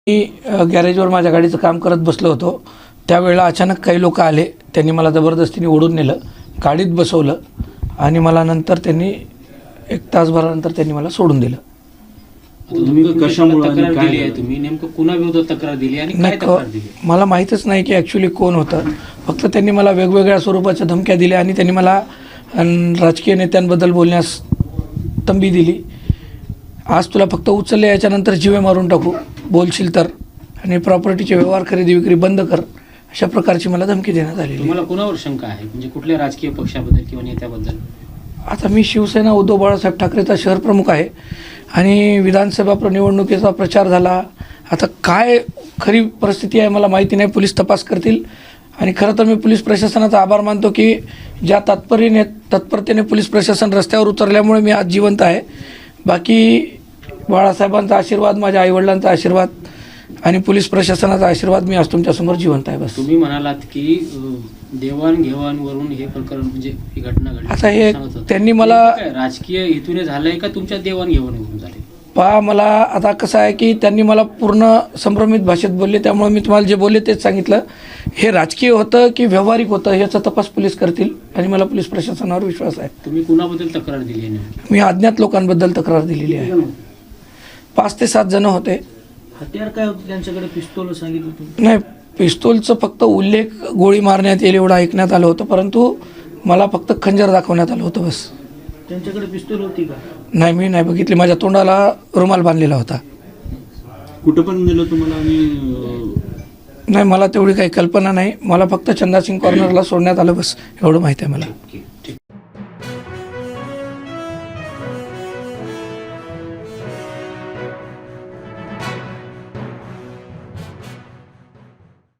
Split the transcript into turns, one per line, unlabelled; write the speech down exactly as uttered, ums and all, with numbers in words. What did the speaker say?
मी गॅरेजवर माझ्या गाडीचं काम करत बसलो होतो. त्यावेळेला अचानक काही लोक आले. त्यांनी मला जबरदस्तीने ओढून नेलं, गाडीत बसवलं आणि मला नंतर त्यांनी एक तासभरानंतर त्यांनी मला सोडून दिलं.
तुम्ही कशामुळे तक्रार दिली आहे? तुम्ही नेमकं कुणाविरोधात तक्रार दिली आणि काय तक्रार दिली?
मला माहीतच नाही की ॲक्च्युली कोण होतं. फक्त त्यांनी मला वेगवेगळ्या स्वरूपाच्या धमक्या दिल्या आणि त्यांनी मला राजकीय नेत्यांबद्दल बोलण्यास तंबी दिली. आज तुला फक्त उचलले, याच्यानंतर जीवे मारून टाकू बोलशील तर, आणि प्रॉपर्टीचे व्यवहार खरेदी विक्री बंद कर, अशा प्रकारची मला धमकी देण्यात आली.
तुम्हाला कुणावर शंका आहे, म्हणजे कुठल्या राजकीय पक्षाबद्दल किंवा नेत्याबद्दल?
आता मी शिवसेना उद्धव बाळासाहेब ठाकरेचा शहर प्रमुख आहे आणि विधानसभा निवडणुकीचा प्रचार झाला. आता काय खरी परिस्थिती आहे मला माहिती नाही, पोलीस तपास करतील. आणि खरं तर मी पोलीस प्रशासनाचा आभार मानतो की ज्या तत्परीने तत्परतेने पोलीस प्रशासन रस्त्यावर उतरल्यामुळे मी आज जिवंत आहे. बाकी बाळासाहेबांचा आशीर्वाद, माझ्या आईवडिलांचा आशीर्वाद आणि पोलीस प्रशासनाचा आशीर्वाद, मी आज तुमच्यासमोर जिवंत आहे. बस.
तुम्ही म्हणालात की देवाणघेवाणवरून हे प्रकरण, म्हणजे ही घटना घडली.
आता हे त्यांनी मला
राजकीय हेतूने झालंय का तुमच्या देवाणघेवाणीवरून झाले?
पहा, मला आता कसं आहे की त्यांनी मला पूर्ण संभ्रमित भाषेत बोलले, त्यामुळे मी तुम्हाला जे बोलले तेच सांगितलं. हे राजकीय होतं की व्यावहारिक होतं याचा तपास पोलीस करतील आणि मला पोलीस प्रशासनावर विश्वास आहे.
तुम्ही कुणाबद्दल तक्रार दिली आहे?
मी अज्ञात लोकांबद्दल तक्रार दिलेली आहे. पाच ते सात जण होते.
हत्यार काय होतं त्यांच्याकडे? पिस्तूल सांगितलं?
नाही, पिस्तूलचं फक्त उल्लेख गोळी मारण्यात येईल एवढं ऐकण्यात आलं होतं, परंतु मला फक्त खंजर दाखवण्यात आलं होतं. बस.
त्यांच्याकडे पिस्तूल होती का?
नाही, मी नाही बघितली. माझ्या तोंडाला रुमाल बांधलेला होता.
कुठं पण नेलं तुम्हाला? आणि
नाही, मला तेवढी काही कल्पना नाही. मला फक्त चंदासिंग कॉर्नरला सोडण्यात आलं, बस एवढं माहिती आहे मला.